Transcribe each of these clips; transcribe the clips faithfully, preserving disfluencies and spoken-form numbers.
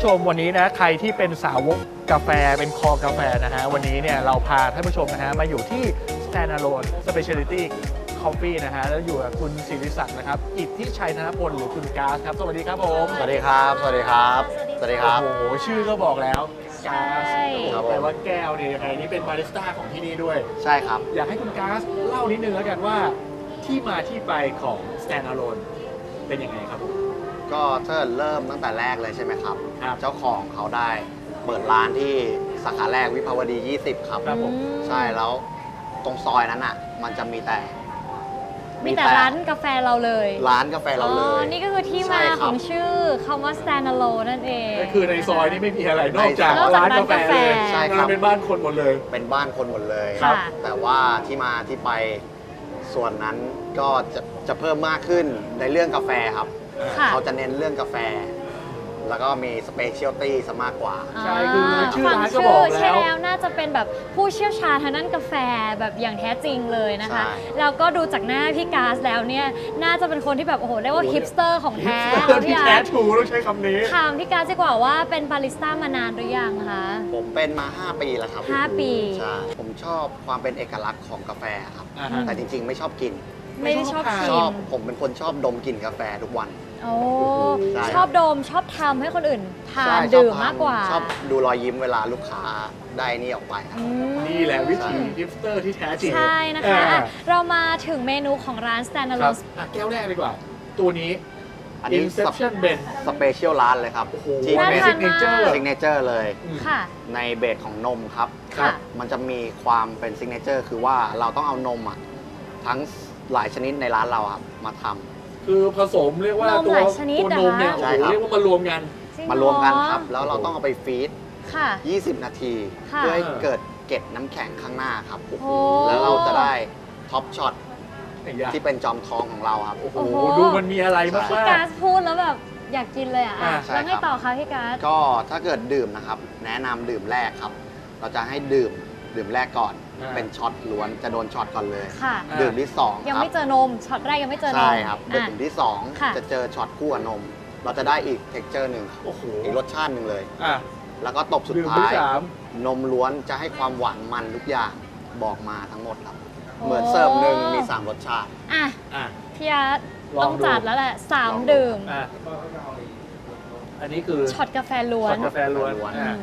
มวันนี้นะใครที่เป็นสาวกกาแฟเป็นคอกาแฟนะฮะวันนี้เนี่ยเราพาท่านผู้ชมนะฮะมาอยู่ที่ Standalone Specialty Coffee นะฮะแล้วอยู่กับคุณศิริศักดิ์นะครับอิทธิชัยธนพลหรือคุณก๊าซครับสวัสดีครับผมสวัสดีครับสวัสดีครับสวัสดีครับโอ้โหชื่อก็บอกแล้วก๊าซครับผมแปลว่าแก้วเนี่ยยังไงนี่เป็นบาริสต้าของที่นี่ด้วยใช่ครับอยากให้คุณก๊าซเล่านิดนึงแล้วกันว่าที่มาที่ไปของ Standalone เป็นยังไงครับผมก็ถ้าเริ่มตั้งแต่แรกเลยใช่ไหมครับครับเจ้าของเขาได้เปิดร้านที่สาขาแรกวิภาวดี ยี่สิบ ครับครับผมใช่แล้วตรงซอยนั้นอ่ะ มันจะมีแต่มีแต่ร้านกาแฟเราเลยร้านกาแฟเราเลอ๋ยอ นี่ก็คือที่ใช่มาครับของชื่อคำว่า Standalone นั่นเองก็คือในซอยนี่ไม่มีอะไรนอกจากนอกจากร้านกาแฟเลยใช่ครับมันเป็นบ้านคนหมดเลยเป็นบ้านคนหมดเลยค่ะแต่ว่าที่มาที่ไปส่วนนั้นก็จะจะเพิ่มมากขึ้นในเรื่องกาแฟครับค่ะเขาจะเน้นเรื่องกาแฟ แล้วก็มีสเปเชียลตี้ซะมากกว่าใช่คือชื่อฟังร้านก็ชื่บอกใช่แล้วแล้วน่าจะเป็นแบบผู้เชี่ยวชาญทางด้านกาแฟแบบอย่างแท้จริงเลยนะคะใช่แล้วก็ดูจากหน้าพี่ก๊าซแล้วเนี่ย น่าจะเป็นคนที่แบบโอ้โหเรียกว่าโอ้โหฮิปสเตอร์ของแท้ฮิปสเตอร์ที่พี่แท้อาร์ตถูต้องใช้คำนี้ถามพี่ก๊าซดีกว่าว่าเป็นบาริสต้ามานานหรือยังคะผมเป็นมา ห้า ปีแล้วครับห้าปีใช่ ผมชอบความเป็นเอกลักษณ์ของกาแฟครับอ่าฮะแต่จริงๆ ไม่ชอบกินไม่ได้ชอบไม่ชิชอบมผมเป็นคนชอบดมกลิ่นกาแฟทุกวันโอ้ใช่ชอบดมชอบทำให้คนอื่นทาใช่นชอบดื่มทำมากกว่าชอบดูรอยยิ้มเวลาลูกค้าได้นี่ออกไปครับอืมนี่แหละวิถีฮิปสเตอร์ที่แท้จริงใช่นะคะอ่าอ่ะเรามาถึงเมนูของร้านครับ Standalone อ่ะแก้วแรกดีกว่า ตัวนี้อันนี้ Inception Blend สเปเชียลร้านเลยครับโอ้โหที่น่าเป็นทานซิกเนเจอร์ซิกเนเจอร์เลยค่ะในเบสของนมครับครับมันจะมีความเป็นซิกเนเจอร์คือว่าเราต้องเอานมอ่ะทั้งหลายชนิดในร้านเราครับมาทำคือผสมเรียกว่านมตัวหลายชนิดตัวนมเนี่ยเหรอโอ้ใช่โหครับเรียกว่ามารวมกันจงมารวมกันครับเหอแล้วเราต้องเอาไปฟีดค่ะยี่สิบ นาทีค่ะเพื่อให้เกิดเกล็ดน้ำแข็งข้างหน้าครับโอ้โหแล้วเราจะได้ท็อปช็อตไอ้ยาที่เป็นจอมทองของเราครับโอ้โหโอ้โหดูมันมีอะไรมากพี่ๆก๊าซพูดแล้วแบบอยากกินเลยอ่ะอ่าใช่แล้วไงครับต่อคะพี่ก๊าซก็ถ้าเกิดดื่มนะครับ แนะนำดื่มแรกครับ เราจะให้ดื่มดื่มแรกก่อนอ่าเป็นช็อตล้วนจะโดนช็อตก่อนเลยค่ะอ่าดื่มที่สองยังครับไม่เจอนมช็อตแรกยังไม่เจอนมใช่ครับดื่อ่ะมที่สองค่ะจะเจอช็อตคู่กับนม เราจะได้อีกเท็กเจอร์หนึ่งโอ้โหอีกรสชาติหนึ่งเลยอ่ะแล้วก็ตบสุดดื่มท้าที่ยสามนมล้วนจะให้ความหวานมันทุกอย่างบอกมาทั้งหมดครับโอ้เหมือนเสิร์ฟหนึ่งมีสามรสชาติอ่ะอ่ะพี่อาร์ตลองต้องดูจัดแล้วแหละสามลองดูดื่มอ่ะอันนี้คือช็อตกาแฟล้วนช็อตกาแฟล้วนล้วนอือ่ะม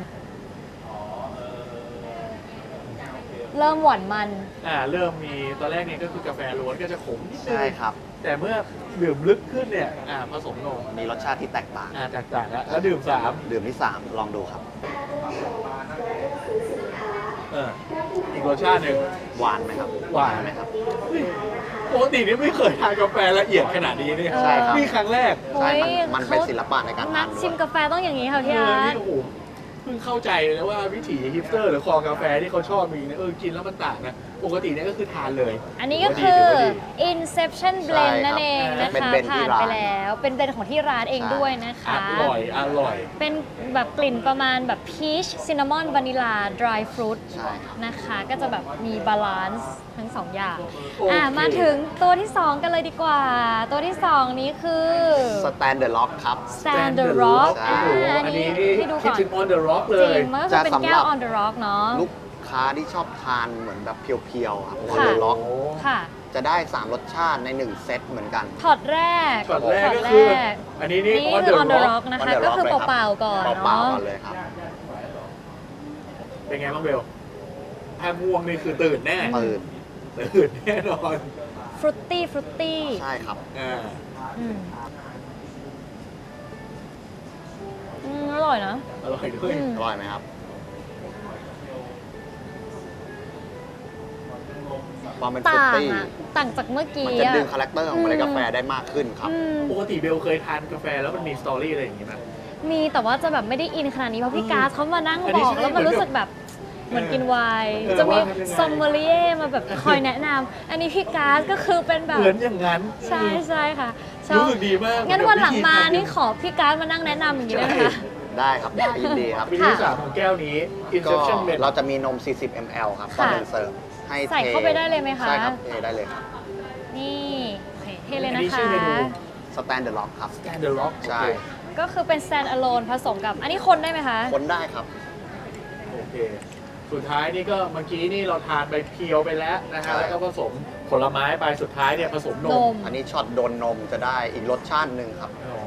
เริ่มหวานมันอ่ะเริ่มมีตอนแรกเนี่ยก็คือกาแฟล้วนก็จะขมนิดนึงใช่ครับแต่เมื่อดื่มลึกขึ้นเนี่ยอ่ะผสมนมมีรสชาติที่แตกต่างอ่ะแตกต่างแล้วแล้วดื่มสามดื่มที่สามลองดูครับเอออีกรสชาติหนึ่งหวานไหมครับหวานไหมครับปกตินี่ไม่เคยทานกาแฟละเอียดขนาดนี้เนี่ยใช่ครับนี่ครั้งแรกใช่โอ้มันยมันเป็นเขาศิลปะในการนัทาก นด้ชิวมยกาแฟต้องอย่างนี้ค่ะเอพี่ออาร์นี่ตโอ้โหเพิ่งเข้าใจเลยว่าวิถีฮิปสเตอร์หรือคอกาแฟที่เขาชอบมีเนี่ยเออกินแล้วมันต่างนะปกติเนี่ยก็คือทานเลยอันนี้ก็คือถืว่าดี Inception ใช่ Blend ครับนั่นเองนะเป็นคะเบนที่ผ่านร้านไปแล้ว เป็นเบนของที่ร้านเองใช่ด้วยนะอคะร่อยอร่อยเป็นแบบกลิ่นประมาณแบบพีชซินนามอนวานิลาดรายฟรุตใช่ครับนะคะ ก็จะแบบมีบาลานซ์ทั้งสองอย่างโอเคอ่ะมาถึงตัวที่ สอง กันเลยดีกว่า ตัวที่ สอง นี้คือสแตนเดอร์ล็อกครับ Stand the Rock ใช่โอ้โหอ่าอันนี้ให้ดูคิดก่อนถึง on the rock เลจยริงมันก็คือเป็นแก้วจะสำหรับ on the rock เนาะลูกค้าที่ชอบทานเหมือนแบบเพียวๆครับค่ะออเดอร์ล็อกค่ะจะได้ สาม รสชาติใน หนึ่ง เซตเหมือนกันช็อตแรกช็อตแรกช็อตก็แรคือกอันนี้นี่นี่ on คือ the on the rock rock นะคะ On the ก็คือ Rock เลยครับเปล่าๆก่อนเปล่าเนาะๆก่อนเลยครับเป็นไงบ้างเบลถ้าง่วงนี่คือตื่นแน่ตื่นตื่นแน่นอนฟรุตตี้ฟรุตตี้ใช่ครับอ่าอืมอืมอร่อยนะอร่อยด้วยอืมอร่อยไหมครับ ความเป็นฟรุตต่างตี้อะต่างจากเมื่อกี้มันจะอะดึงคาแรคเตอร์ของเมล็ดกาแฟได้มากขึ้นครับอืมปกติเบลเคยทานกาแฟแล้วมันมีสตอรี่อะไรอย่างงี้ไหมมีแต่ว่าจะแบบไม่ได้อินขนาดนี้เพราะพี่อืมก๊าซเขามานั่งอันบนี้อกใช่แล้วมันเหมือนรู้สึกแบบเหมือนกินไวน์เออจะมีว่าทำยังไงซอมเมอรี่มาแบบคอยแนะนำอันนี้พี่ก๊าซก็คือเป็นแบบเหมือนอย่างนั้นใช่ใช่ค่ะชอบรู้สึกดีมากงั้นวันหลังมาเดี๋ยวนี่ขอพี่ก๊าซมานั่งแนะนำอย่างนี้ได้ไหมคะได้ครับได้ยินดีครับวิธีที่สามของแก้วนี้ก็ Inception Blend เราจะมีนม สี่สิบ มิลลิลิตร ครับต่อค่ะหนึ่งเสิร์ฟให้ใส่เข้าไปได้เลยไหมคะใช่ครับเทได้เลยครับนี่โอเคเทเลยอันนะนี้คะชื่อเมนูสแตนเดอร์ล็อกครับ Stand the Rock ใช่โอเคก็คือเป็น stand alone ผสมกับ อันนี้คนได้ไหมคะคนได้ครับโอเค สุดท้ายนี่ก็เมื่อกี้นี่เราทานไปเพียวไปแล้วนะใช่ฮะแล้วก็ผสมผลไม้ไปสุดท้ายเนี่ยผสมนนมมอันนี้ช็อตโดนนมจะได้อีกรสชาติหนึ่งครับโอ้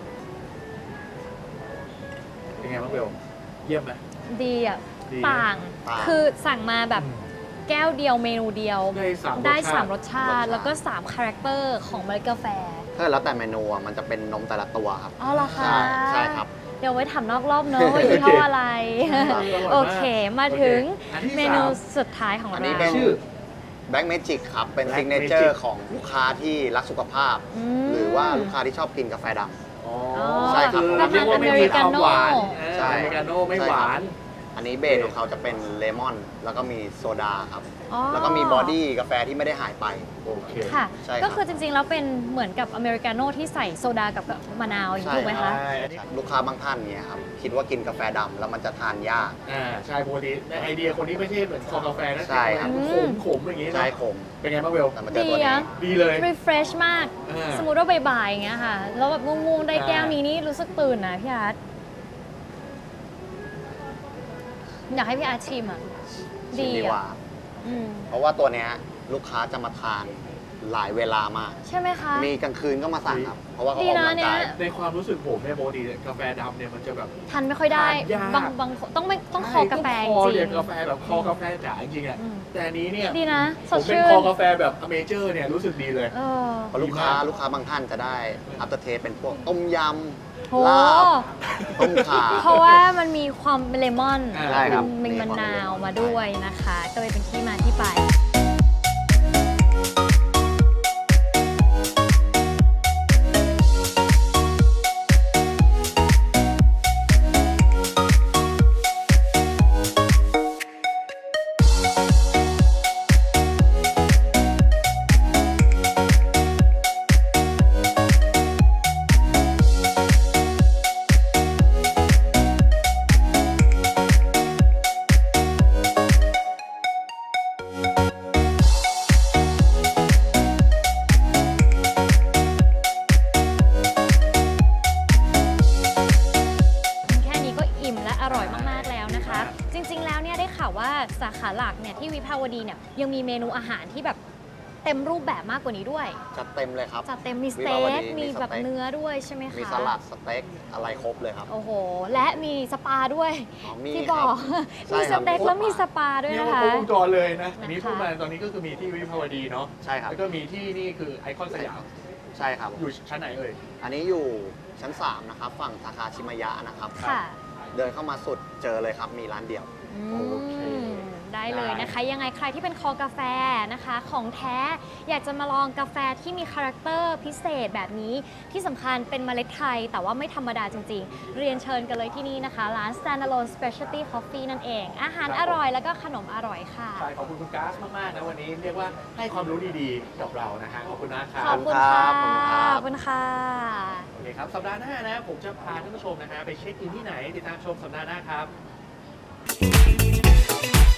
เป็นไงบ้างเบลเยี่ยมไหมดีอ่ะดีต่างต่างคือสั่งมาแบบแก้วเดียวเมนูเดียวได้สามได้รสชาติสามรสชาติรสชาติแล้วก็สามคาแรคเตอร์ของเมล็ดกาแฟถ้าแล้วแต่เมนูอะมันจะเป็นนมแต่ละตัวครับอ๋อเหรอคะใช่ใช่ครับเดี๋ยวไว้ถามนอกรอบเนอะว่ายี่ห้ออะไร โอเค มาถึงอันที่เมนูสามสุดท้ายของอันเรานี้เป็นชื่อแบล็กเมจิกครับ เป็น Black ซิกเนเจอ Magic ร์ของลูกค้าที่รักสุขภาพอืมหรือว่าลูกค้าที่ชอบกินกาแฟดำอ๋อใช่ครับอเรียกว่าไม่มีความหวานใช่อเมริกาโน่ไม่หวานอันนี้เบสของเขาจะเป็นเลมอน แล้วก็มีโซดาครับอ๋อแล้วก็มีบอดี้กาแฟที่ไม่ได้หายไปโอเคค่ะใช่ครับก็คือจริงๆ แล้วเป็นเหมือนกับอเมริกาโน่ที่ใส่โซดากับมะนาวอย่างนี้ถูกไหมคะใช่อันนี้ลูกค้าบางท่านเนี่ยครับ คิดว่ากินกาแฟดำแล้วมันจะทานยากอ่าใช่ปกติในไอเดียคนนี้ไม่ใช่เหมือนคอกาแฟนะใช่ครับขมขมๆอย่างนี้ใช่เนาะขมเป็นไงบ้างเบลแต่มาเจอตัวดีนี้อะดีเลย refresh มากอ่าสมมุติว่าบ่ายๆอย่างเงี้ยค่ะ แล้วแบบง่วงๆ ได้แก้วนี้นี่รู้สึกตื่นนะพี่อาร์ตอยากให้พี่อาร์ตชิมอ่ะชิมดีดีกว่าอ่ะอืมเพราะว่าตัวเนี้ยลูกค้าจะมาทานหลายเวลามากใช่ไหมคะมีกลางคืนก็มาสั่งครับ เพราะว่าเขาดีออกนะกำลังกายเนี่ยในความรู้สึกผมเนี่ยปกติกาแฟดำเนี่ยมันจะแบบทันไม่ค่อยได้ทานยากบางบางต้องไม่ต้องคอกาแฟจใช่ต้องคอริเรียงกกาแฟแบบคอกาแฟจ๋าจริงๆอ่ะอืมแต่อันนี้เนี่ยๆดีนะ สผดมเป็นชื่คน อกาแฟแบบอเมเจอร์เนี่ยรู้สึกดีเลยเออเพราะลูกค้าดีมากลูกค้าบางท่านจะได้อัปเตอร์เทสเป็นพวกต้มยโหำลาบต้มข่าเพราะว่ามันมีความเลมอนอ่าใช่ครับมีมีมะความนาวเลมอนมาด้วยนะคะ ก็เลยเป็นที่มาที่ไป แค่นี้ก็อิ่มและอร่อยมากๆแล้วนะคะ จริงๆ แล้วเนี่ยได้ข่าวว่าสาขาหลักเนี่ยที่วิภาวดีเนี่ยยังมีเมนูอาหารที่แบบเต็มรูปแบบมากกว่านี้ด้วยจัดเต็มเลยครับจัดเต็มมีสวิเต็ภาวดีกมีมีสเต็กแบบเนื้อด้วยใช่ไหมคะมีสลัดสเต็กอะไรครบเลยครับโอ้โห และมีสปาด้วยอ๋อมีที่ครับบอกใช่มีคสรับเต็กแล้วมีสปาด้วยเรียกนะว่าคะครบวงจรเลยนะอันนี้นะคะพูดมาตอนนี้ก็คือมีที่วิภาวดีเนาะใช่ครับแล้วก็มีที่นี่คือไอคอนสยามใช่ครับอยู่ชั้นไหนเอ่ยอันนี้อยู่ชั้นสามนะครับ ฝั่งสาขาชิมายะนะครับค่ะเดินเข้ามาสุดเจอเลยครับ มีร้านเดียวอืโอเคมได้เลยนะคะ ยังไงใครที่เป็นคอกาแฟนะคะ ของแท้อยากจะมาลองกาแฟที่มีคาแรคเตอร์พิเศษแบบนี้ที่สำคัญเป็นเมล็ดไทย แต่ว่าไม่ธรรมดาจริงๆ เรียนเชิญกันเลยที่นี่นะคะ ร้าน Standalone Specialty Coffee นั่นเอง อาหารอร่อยแล้วก็ขนมอร่อยค่ะใช่ขอบคุณคุณก๊าซมากๆนะวันนี้เรียกว่าให้ความรู้ดีๆกับเรานะฮะขอบคุณนะครัขอบบคุณค่ะขอบคุณครับขอบคุณค่ะโอเคครับ สัปดาห์หน้านะ ผมจะพาท่านผู้ชมนะฮะไปเช็คอินที่ไหน ติดตามชมสัปดาห์หน้าครับ